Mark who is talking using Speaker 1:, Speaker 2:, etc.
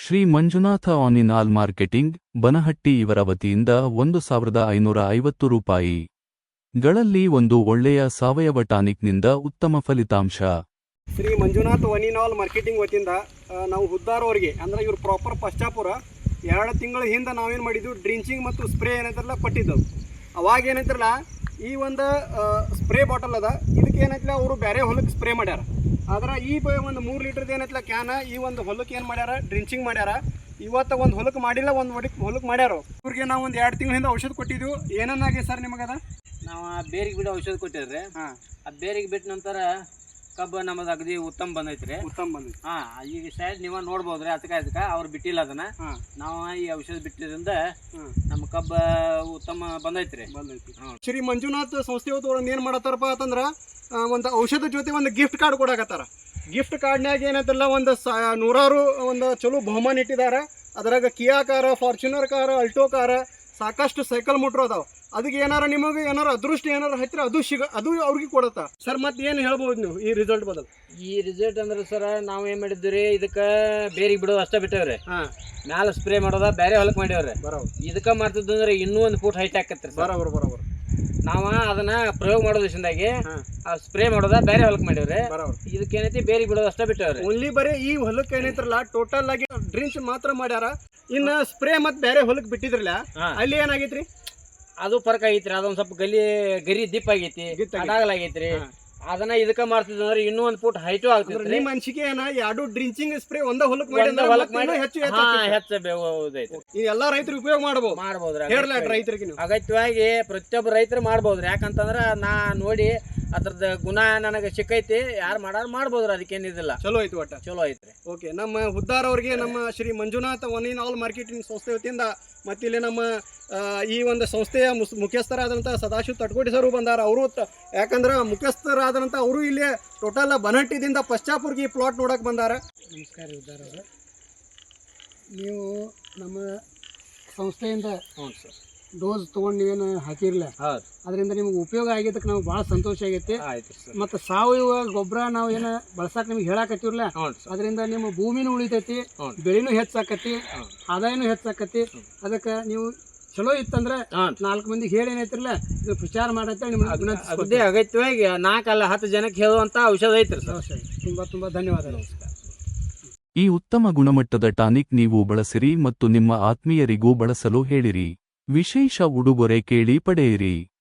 Speaker 1: ಶ್ರೀ ಮಂಜುನಾಥ ಆನಿನಾಲ್ ಮಾರ್ಕೆಟಿಂಗ್ ಬನಹಟ್ಟಿ ಇವರ ವತಿಯಿಂದ 1550 ರೂಪಾಯಿಗಳಲ್ಲಿ ಒಂದು ಒಳ್ಳೆಯ ಸಾವಯವ ಟಾನಿಕ್ನಿಂದ ಉತ್ತಮ ಫಲಿತಾಂಶ.
Speaker 2: ಶ್ರೀ ಮಂಜುನಾಥ ಒನಿನಾಲ್ ಮಾರ್ಕೆಟಿಂಗ್ ವತಿಯಿಂದ ನಾವು ಹುದ್ದಾರವರಿಗೆ ಅಂದರೆ ಇವರು ಪ್ರಾಪರ್ ಪಶ್ಚಾಪುರ 2 ತಿಂಗಳ ಹಿಂದೆ ನಾವೇನು ಮಾಡಿದ್ವಿ, ಡ್ರಿಂಚಿಂಗ್ ಮತ್ತು ಸ್ಪ್ರೇ ಏನೈತಿರಲ್ಲ ಕೊಟ್ಟಿದ್ದೆವು. ಅವಾಗ ಏನೈತಿರಲ್ಲ ಈ ಒಂದು ಸ್ಪ್ರೇ ಬಾಟಲ್ ಅದ, ಇದಕ್ಕೆ ಏನೈತಿಲ್ಲ ಅವರು ಬೇರೆ ಹೊಲಕ್ಕೆ ಸ್ಪ್ರೇ ಮಾಡ್ಯಾರ. ಆದ್ರೆ ಈ ಒಂದು 3 ಲೀಟರ್ದು ಏನೈತಿಲ್ಲ ಕ್ಯಾನ ಈ ಒಂದು ಹೊಲಕ್ಕೆ ಏನು ಮಾಡ್ಯಾರ, ಡ್ರಿಂಚಿಂಗ್ ಮಾಡ್ಯಾರ. ಇವತ್ತು ಒಂದು ಹೊಲಕ್ಕೆ ಮಾಡಿಲ್ಲ, ಒಂದು ಹೊಲಕ್ಕೆ ಮಾಡ್ಯಾರ. ಇವ್ರಿಗೆ ನಾವು ಒಂದು 2 ತಿಂಗಳ ಹಿಂದೆ ಔಷಧ ಕೊಟ್ಟಿದ್ವಿ. ಏನನ್ನಾಗಿ ಸರ್ ನಿಮಗದ?
Speaker 3: ನಾವು ಬೇರಿಗೆ ಬಿಡೋ ಔಷಧ ಕೊಟ್ಟಿದ್ರಿ. ಆ ಬೇರಿಗೆ ಬಿಟ್ಟ ನಂತರ ಕಬ್ಬು ನಮ್ಮದು ಅಗದಿ ಉತ್ತಮ ಬಂದೈತ್ರಿ. ಈಗ ಸೈಡ್ ನೀವು ನೋಡ್ಬೋದ್ರಿ. ಅದಕ್ಕೆ ಅವ್ರು ಬಿಟ್ಟಿಲ್ಲ ಅದನ್ನ. ನಾವು ಈ ಔಷಧ ಬಿಟ್ಟಿದ್ರಿಂದ ನಮ್ಮ ಕಬ್ಬ ಉತ್ತಮ ಬಂದೈತ್ರಿ.
Speaker 2: ಶ್ರೀ ಮಂಜುನಾಥ್ ಸಂಸ್ಥೆ ಏನು ಮಾಡತ್ತಾರಪ್ಪ ಅಂತಂದ್ರೆ ಒಂದು ಔಷಧ ಜೊತೆ ಒಂದು ಗಿಫ್ಟ್ ಕಾರ್ಡ್ ಕೊಡಾಕತ್ತಾರ. ಗಿಫ್ಟ್ ಕಾರ್ಡ್ನಾಗ ಏನೈತಲ್ಲ ಒಂದು 100 ಒಂದು ಚಲೋ ಬಹುಮಾನ ಇಟ್ಟಿದ್ದಾರೆ. ಅದ್ರಾಗ ಕಿಯಾ ಕಾರ, ಫಾರ್ಚುನರ್ ಕಾರ, ಅಲ್ಟೋ ಕಾರ, ಸಾಕಷ್ಟು ಸೈಕಲ್ ಮೋಟ್ರ್ ಅದಾವ. ಅದಕ್ಕೆ ಏನಾರ ನಿಮಗೆ ಏನಾರ ಅದೃಷ್ಟ ಏನಾರ ಹತ್ತಿರ ಅದು ಅವ್ರಿಗೆ ಕೊಡುತ್ತಾ ಸರ್? ಮತ್ತೆ ಏನು ಹೇಳ್ಬೋದು ನೀವು ಈ ರಿಸಲ್ಟ್ ಬದಲು?
Speaker 3: ಈ ರಿಸಲ್ಟ್ ಅಂದ್ರೆ ಸರ್ ನಾವು ಏನು ಮಾಡಿದ್ವಿ, ಇದಕ್ಕೆ ಬೇರಿಗೆ ಬಿಡೋದು ಅಷ್ಟೇ ಬಿಟ್ಟೇವ್ರಿ. ಮ್ಯಾಲ ಸ್ಪ್ರೇ ಮಾಡೋದ ಬೇರೆ ಹೊಲಕ್ಕೆ ಮಾಡ್ಯಾವ್ರಿ. ಇದಕ್ಕೆ ಮಾಡ್ತಿದ್ದು ಅಂದ್ರೆ ಇನ್ನೂ ಒಂದು ಫೂಟ್ ಹೈಟ್ ಹಾಕತ್ರಿ.
Speaker 2: ಬರೋಬರ್
Speaker 3: ನಾವ ಅದನ್ನ ಪ್ರಯೋಗ ಮಾಡೋ ದಿವಸದಾಗಿ ಸ್ಪ್ರೇ ಮಾಡೋದ ಬೇರೆ ಹೊಲಕ್ಕೆ ಮಾಡ್ಯಾವ್ರಿ. ಇದಕ್ಕೆ ಏನೈತಿ ಬೇರಿಗೆ ಬಿಡೋದು ಅಷ್ಟೇ ಬಿಟ್ಟೇವ್ರಿ.
Speaker 2: ಓನ್ಲಿ ಬರೀ ಈ ಹೊಲಕ್ಕೆ ಏನೈತ್ರಲ್ಲ ಟೋಟಲ್ ಆಗಿ ಡ್ರಿಂಕ್ಸ್ ಮಾತ್ರ ಮಾಡ್ಯಾರ. ಇನ್ನು ಸ್ಪ್ರೇ ಮತ್ತೆ ಬೇರೆ ಹೊಲಕ್ಕೆ ಬಿಟ್ಟಿದ್ರಲ್ಲ, ಅಲ್ಲಿ ಏನಾಗೈತ್ರಿ?
Speaker 3: ಅದು ಫರ್ಕ್ ಆಗೈತ್ರಿ. ಅದೊಂದ್ ಸ್ವಲ್ಪ ಗರಿ ದಿಪ್ ಆಗೈತಿ, ಅಡಾಗಲಾಗೈತ್ರಿ. ಅದನ್ನ ಇದಕ್ಕ ಮಾಡ್ತಿದ್ರೆ ಇನ್ನೂ ಒಂದು ಫೂಟ್ ಹೈಟು ಆಗ್ತೈತಿ.
Speaker 2: ನಿಮ್ಮ ಮನ್ಸಿಗೆ ಏನ 2 ಡ್ರಿಂಚಿಂಗ್ ಸ್ಪ್ರೇ ಒಂದ ಹೊಲಕ್ಕೆ ಮಾಡಿ ಹೆಚ್ಚು ಎಲ್ಲಾ ರೈತರು ಉಪಯೋಗ ಮಾಡಬಹುದ್ರಿ. ರೈತರಿಗೆ
Speaker 3: ಅಗತ್ಯವಾಗಿ ಪ್ರತಿಯೊಬ್ಬ ರೈತರು ಮಾಡ್ಬೋದ್ರಿ. ಯಾಕಂತಂದ್ರ ನಾ ನೋಡಿ ಅದ್ರದ್ದು ಗುಣ ನನಗೆ ಸಿಕ್ಕೈತಿ. ಯಾರು ಮಾಡ್ಬೋದ್ರಿ, ಅದಕ್ಕೇನಿದಿಲ್ಲ.
Speaker 2: ಚಲೋ ಐತಿ, ಒಟ್ಟ
Speaker 3: ಚಲೋ ಐತ್ರಿ.
Speaker 2: ಓಕೆ, ನಮ್ಮ ಹುದ್ದಾರವ್ರಿಗೆ ನಮ್ಮ ಶ್ರೀ ಮಂಜುನಾಥ ಒನಿನಾಲ್ ಮಾರ್ಕೆಟಿಂಗ್ ಸಂಸ್ಥೆ ವತಿಯಿಂದ ಮತ್ತಿಲ್ಲಿ ನಮ್ಮ ಈ ಒಂದು ಸಂಸ್ಥೆಯ ಮುಖ್ಯಸ್ಥರಾದಂಥ ಸದಾಶಿವ ತಟ್ಕೋಟಿ ಸರ್ ಬಂದಾರ. ಅವರು ಯಾಕಂದ್ರೆ ಮುಖ್ಯಸ್ಥರಾದಂಥ ಅವರು ಇಲ್ಲಿ ಟೋಟಲ್ ಬನಹಟ್ಟಿದಿಂದ ಪಶ್ಚಾಪುರ್ಗೆ ಈ ಪ್ಲಾಟ್ ನೋಡಕ್ಕೆ ಬಂದಾರ. ನಮಸ್ಕಾರ ಹುದ್ದಾರವ್ರೆ, ನೀವು ನಮ್ಮ ಸಂಸ್ಥೆಯಿಂದ ಡೋಸ್ ತೊಗೊಂಡು ನೀವೇನು ಹಾಕಿರಲಿಲ್ಲ, ಅದರಿಂದ ನಿಮ್ಗೆ ಉಪಯೋಗ ಆಗಿದ್ದಕ್ಕೆ ನಮ್ಗೆ ಭಾಳ ಸಂತೋಷ ಆಗೈತಿ. ಮತ್ತು ಸಾವಯವ ಗೊಬ್ಬರ ನಾವು ಏನು ಬಳಸಕ್ಕೆ ನಿಮ್ಗೆ ಹೇಳಾಕತ್ತಿರಲ್ಲ, ಅದರಿಂದ ನಿಮ್ಮ ಭೂಮಿನೂ ಉಳಿತೈತಿ, ಬೆಳೆನೂ ಹೆಚ್ಚಾಕತಿ, ಆದಾಯನೂ ಹೆಚ್ಚಾಕತಿ. ಅದಕ್ಕೆ ನೀವು ಚಲೋ ಇತ್ತಂದ್ರೆ 4 ಮಂದಿಗೆ ಹೇಳಿ ಏನೈತಿರಲ್ಲ ಇದು ಪ್ರಚಾರ ಮಾಡತ್ತೆ.
Speaker 3: ನಿಮ್ಗೆ ಅಗತ್ಯವಾಗಿ 4 ಅಲ್ಲ 10 ಜನಕ್ಕೆ ಹೇಳುವಂತ ಔಷಧ ಐತ್ರಿ ಸರ್.
Speaker 2: ತುಂಬಾ ಧನ್ಯವಾದಗಳು.
Speaker 1: ಈ ಉತ್ತಮ ಗುಣಮಟ್ಟದ ಟಾನಿಕ್ ನೀವು ಬಳಸಿರಿ ಮತ್ತು ನಿಮ್ಮ ಆತ್ಮೀಯರಿಗೂ ಬಳಸಲು ಹೇಳಿರಿ. ವಿಶೇಷ ಉಡುಗೊರೆ ಕೇಳಿ ಪಡೆಯಿರಿ.